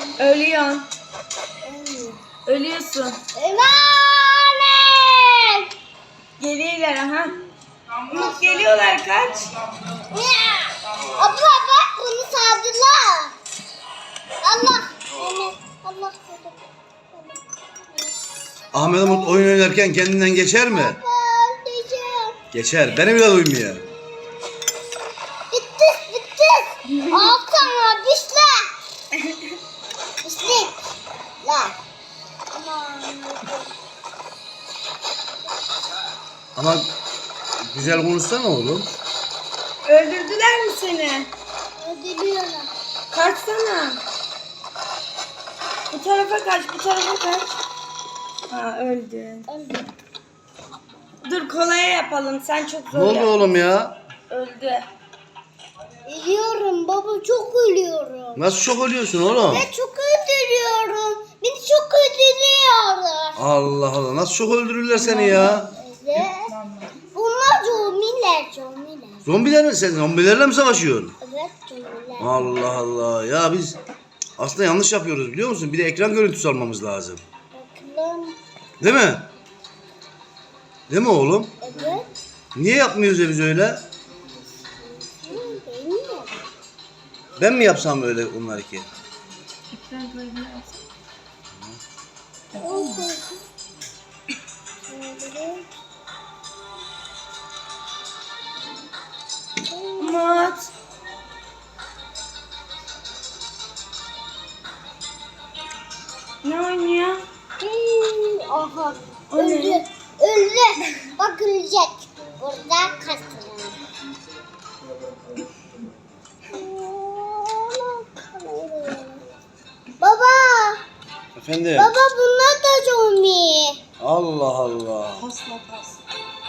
Ölüyorsun. Ölüyorsun. Emanet. Geliyorlar aha. Geliyorlar kaç. Abla bak bunu sardılar. Allah. Allah. Ahmet Umut oyun oynarken kendinden geçer mi? Diyeceğim. Geçer. Beni bile duymuyor. Bitti. Al sana dişle. Dişlik. La. Aman. Ama güzel konuşsana oğlum. Öldürdüler mi seni? Öldürüyorlar. Kaçsana. Bu tarafa kaç, bu tarafa kaç. Ha öldü. Öldü. Dur kolaya yapalım. Sen çok zor Ne oldu yap. oğlum ya? Öldü. Ölüyorum baba çok ölüyorum. Nasıl çok ölüyorsun oğlum? Ben çok öldürüyorum. Beni çok öldürüyorlar. Allah Allah. Nasıl çok öldürürler seni ya? Evet. Bunlar zombiler. Zombiler mi sen? Zombilerle mi savaşıyorsun? Evet zombiler. Allah Allah. Ya biz aslında yanlış yapıyoruz biliyor musun? Bir de ekran görüntüsü almamız lazım. Bakalım. Değil mi? Değil mi oğlum? Evet. Niye yapmıyoruz ya biz öyle? Bilmiyorum. Ben mi yapsam öyle onlar ki? Umut. Ne oynuyor? Aha. O ne? Öldü. Bak ölecek. Burada kastırıyor. Baba. Efendim? Baba bunlar da zombi. Allah Allah. Pasla pas.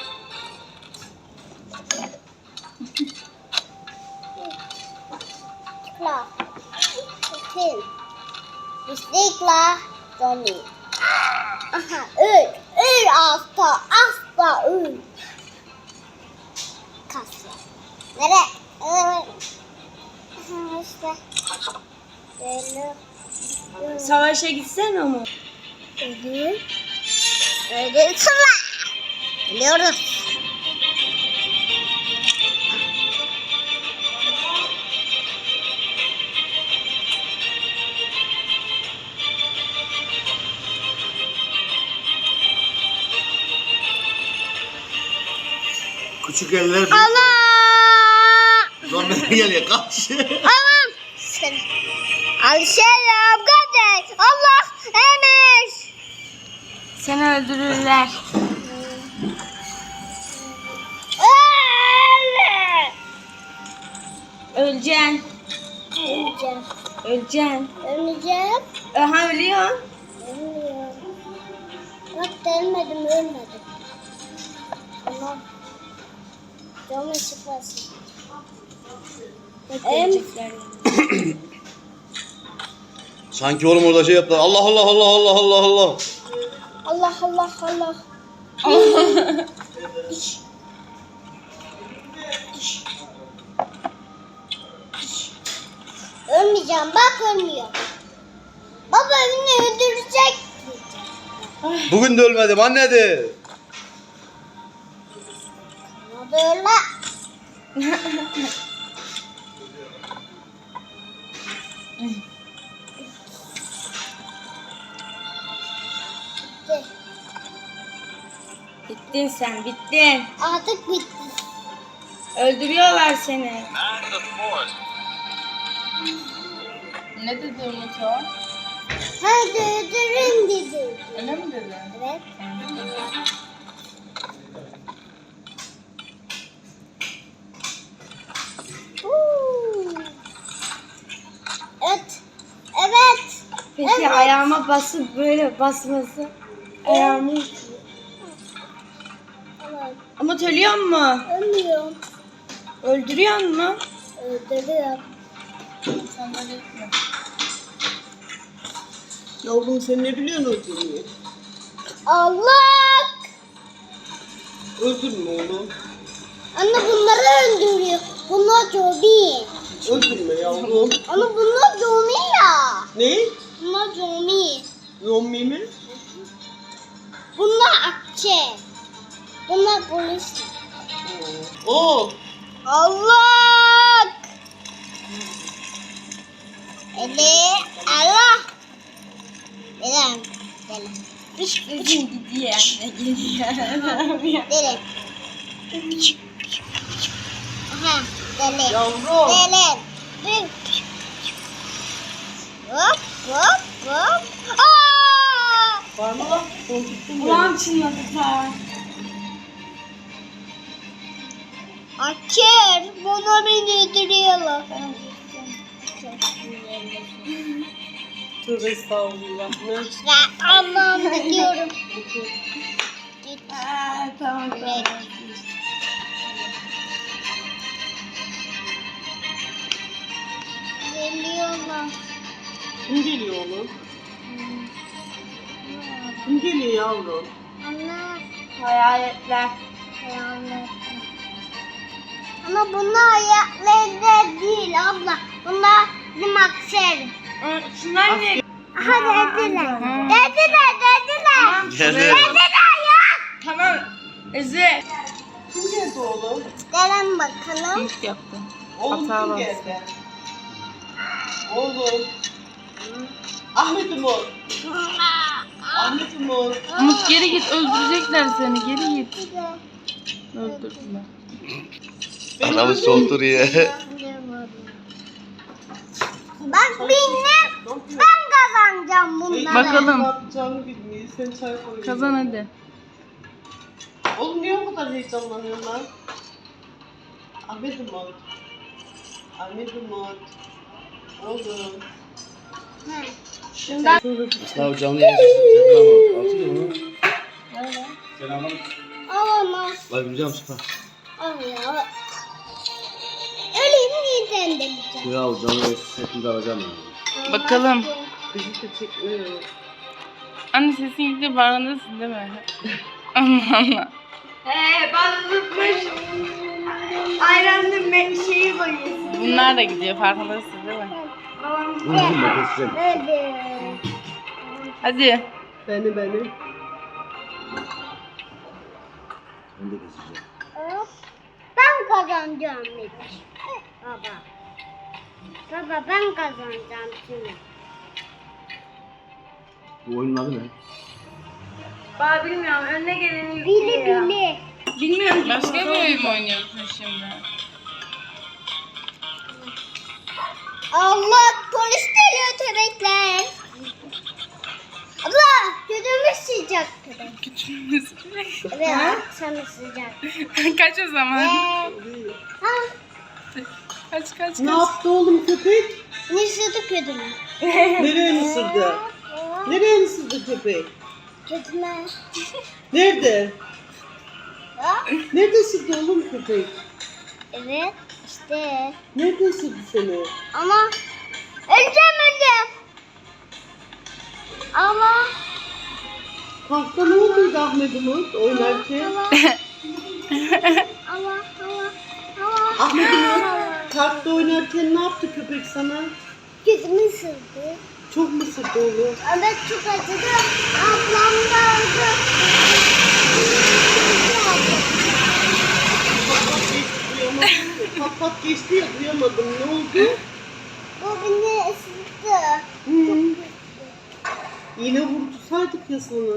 Tıkla. Tıkla. Tıkla. Zombi. Aha öl. Öl asla öl. Kasya. Nereye? Aha işte. Böyle. Savaşa gitsene Umut. Öldü. Öldü. Tıkla. Biliyoruz. Küçük eller büyük. Allah. Zombiler geliyor kaç. Aman. Alışayım kardeş. Allah emir. Seni öldürürler. Öleceksin. Öleceğim. Öleceksin. Öleceğim. Aha ölüyorsun. Ölmüyorum. Bak ölmedim. Tamam. Canım çıkmasın. Ölecekler. Sanki oğlum orada şey yaptılar. Allah Allah Allah Allah Allah Allah. Allah. Ölmeyeceğim. Bak ölmüyor. Baba beni öldürecek. Bugün de ölmedim anne de. Ama böyle. Bitti. Bittin sen, bittin. Artık bitti. Öldürüyorlar seni. Ne dedi Umut o? Hadi öldürün dedi. Öyle mi dedi? Evet. Evet. Peki Evet. ayağıma basıp böyle basması. Ayağımı. Evet. Umut ölüyor mu? Ölmüyorum. Öldürüyor mu? Öldürüyorum. Sen böyle etme. Yavrum sen ne biliyorsun öldürmeyi? Allah! Öldürme oğlum. Anne bunları öldürüyor. Bunlar zombi. Öldürme yavrum. Anne bunlar zombi ya. Ne? Deli. Allah. Deli. Deli. Üzüm gidiyor anne geliyor. Deli. Aha. Deli. Yavrum. Deli. Deli. Hop hop hop. Aa! Var mı lan? Korkuttun beni. Ulan çınladı ta. Açır. Bana beni öldürüyorlar. Tövbe estağfurullah. Ne? Ben Allah'ım gidiyorum. Tamam. Evet. Geliyorlar. Kim geliyor oğlum? Kim geliyor yavrum? Ana. Hayaletler. Hayaletler. Ama bunlar hayaletler değil abla. Bunlar bizim akseri. Şunlar ne? Aha dediler. Dediler. Gel. Tamam. Eze. Kim geldi oğlum? Gelin bakalım. İlk yaptı. Oğlum Hata kim var. geldi? Oğlum. Ahmet Umut. Ahmet Umut. Umut geri git, öldürecekler seni, geri git. Öldürdüler. Adamı soğuturuyor. Bak benim. Ben kazanacağım bunları. Bakalım. Ne yapacağını bilmiyor. Sen çay koy. Kazan hadi. Oğlum niye o kadar heyecanlanıyorsun lan? Ahmet Umut. Ahmet Umut. Oğlum. Şundan. Ya canlı yayın. Atıyor mu? Alamaz. Bak güzel sıfır. Al ya. Öleyim yeniden deneyeceğim. Ya canlı yayın setini alacağım ya. Bakalım. Bizi de çekmiyor. Anne sesin gidiyor, farkındasın değil mi? Allah Allah. Ben unutmuş. Ayranın şeyi koyuyorsun. Bunlar da gidiyor, farkındasın değil mi? Bunu da keseceğim. Hadi. Hadi. Beni. Ben de keseceğim. Hop. Ben kazanacağım hiç. Baba. Baba ben kazanacağım şimdi. Bu oyunun adı ne? Ben bilmiyorum. Önüne geleni Bili yüklüyor. bili. Bilmiyorum. Başka bir oyun mu oynuyorsun şimdi? Allah polis geliyor köpekler. Abla gözümüz sıcak köpek. Evet sana sıcak. Kaç o zaman? Ha, Kaç. Ne yaptı oğlum köpek? ne sıcak gözümü? Nereye ısırdı? Nereye ısırdı köpek? Gözüme. Nerede? Ha? Nerede ısırdı oğlum köpek? Evet işte. Nerede ısırdı seni? Ama öleceğim. Ama Parkta ne olduydu Ahmet Umut oynarken? ama Ahmet Umut parkta oynarken ne yaptı köpek sana? gözümü ısırdı. Çok mu ısırdı oğlum? Evet çok acıdı. Ablam da öldü. Pat pat geçti ya duyamadım. Ne oldu? Bu beni ısırdı. Yine vurdursaydık ya sana.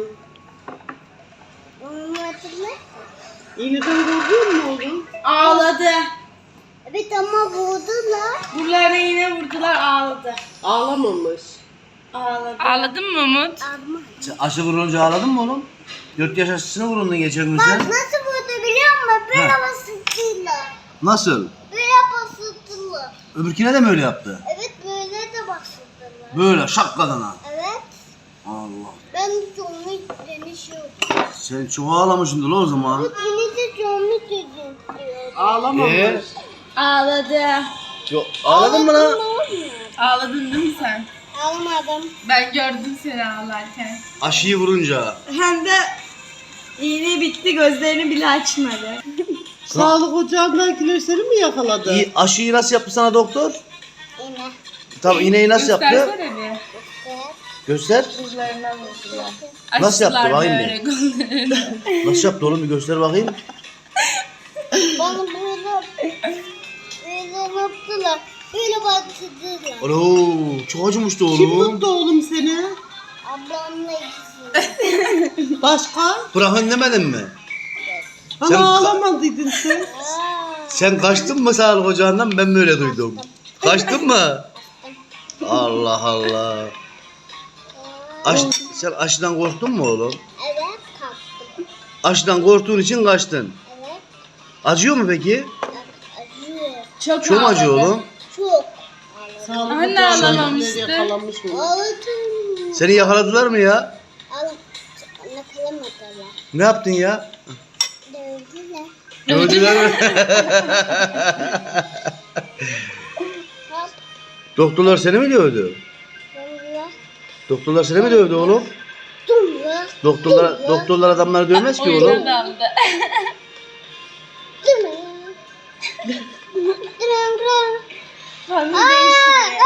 Onu hatırla. İğneden vurdun mu oğlum? Ağladı. Evet ama vurdular. Buralarına yine vurdular, ağladı. Ağlamamış. Ağladı. Ağladın mı Umut? Ama. Sen aşı vurunca ağladın mı oğlum? 4 yaş aşısına vurundun geçen gün Bak sen. nasıl vurdu biliyor musun? Böyle Ha. basıttılar. Nasıl? Böyle basıttılar. Öbürküne de mi öyle yaptı? Evet böyle de basıttılar. Böyle şakkadan ha. Evet. Allah. Ben canlı denişiyordum. Sen çok ağlamışsındır lan o zaman. Bu beni de canlı denişiyordum. Ağlamamış. Ağladı. Yok, ağladın mı lan? Ağladın değil mi sen? Almadım. Ben gördüm seni ağlarken. Aşıyı vurunca. Hem de iğne bitti, gözlerini bile açmadı. Sağlık ocağındakiler seni mi yakaladı? Aşıyı nasıl yaptı sana doktor? Yine. Tamam iğneyi nasıl yaptı? Göstersene bir. Evet. Göster. Kızlarına vurdular. Nasıl yaptı? Açtılar Bakayım böyle kollarını. Nasıl yaptı oğlum bir göster bakayım. Bana böyle yaptılar. Böyle batırdılar. Alo çok acımıştı Kim oğlum. tuttu oğlum seni? Ablamla ikisi. Başka? Bırakın demedin mi? Ana Sen- ağlamadıydın sen. Sen kaçtın mı sağlık ocağından ben böyle duydum. Kaçtın mı? Allah Allah. Sen aşıdan korktun mu oğlum? Evet kalktım. Aşıdan korktuğun için kaçtın. Evet. Acıyor mu peki? Acıyor. Çok Çok mu acıyor ağladı. oğlum? Çok. Sağlık Anne ocağına ağlamamıştı. yakalanmış mı? Ağladım. Seni yakaladılar mı ya? Nakalamadılar. Ne yaptın ya? Dövdüler. Gördüler mi? Hop. Doktorlar seni mi dövdü? Dumla. Doktorlar seni mi dövdü oğlum? Dumla. Doktorlar adamları dövmez ki oğlum. Oyunu da aldı. Dumla. Dumla. Fazla değişti.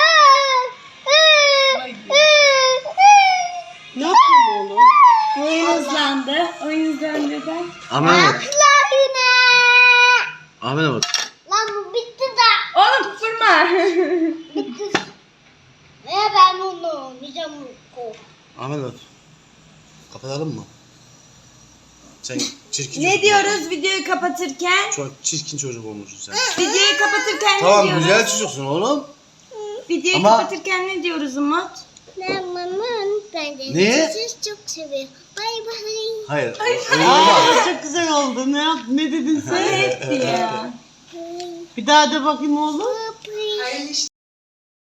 Ne yaptın oğlum? Oyun hızlandı. Oyun hızlandı da. Ahmet. Yine. Ahmet. Lan bu bitti de. Oğlum vurma. Bitti. Ve ben onu oynayacağım. Ahmet. Kapatalım mı? Sen çirkin Ne çocuk diyoruz oldun. videoyu kapatırken? Çok çirkin çocuk olmuşsun sen. Videoyu kapatırken ne Tamam diyoruz? güzel çocuksun oğlum. Videoyu Ama- kapatırken ne diyoruz Umut? Ben mamam. Ben de Ne? sizi çok seviyorum. Bay bay. Hayır. öyle olmaz. Aa, çok güzel oldu. Ne dedin sen? Hep diyor. Bir daha de bakayım oğlum. Bye.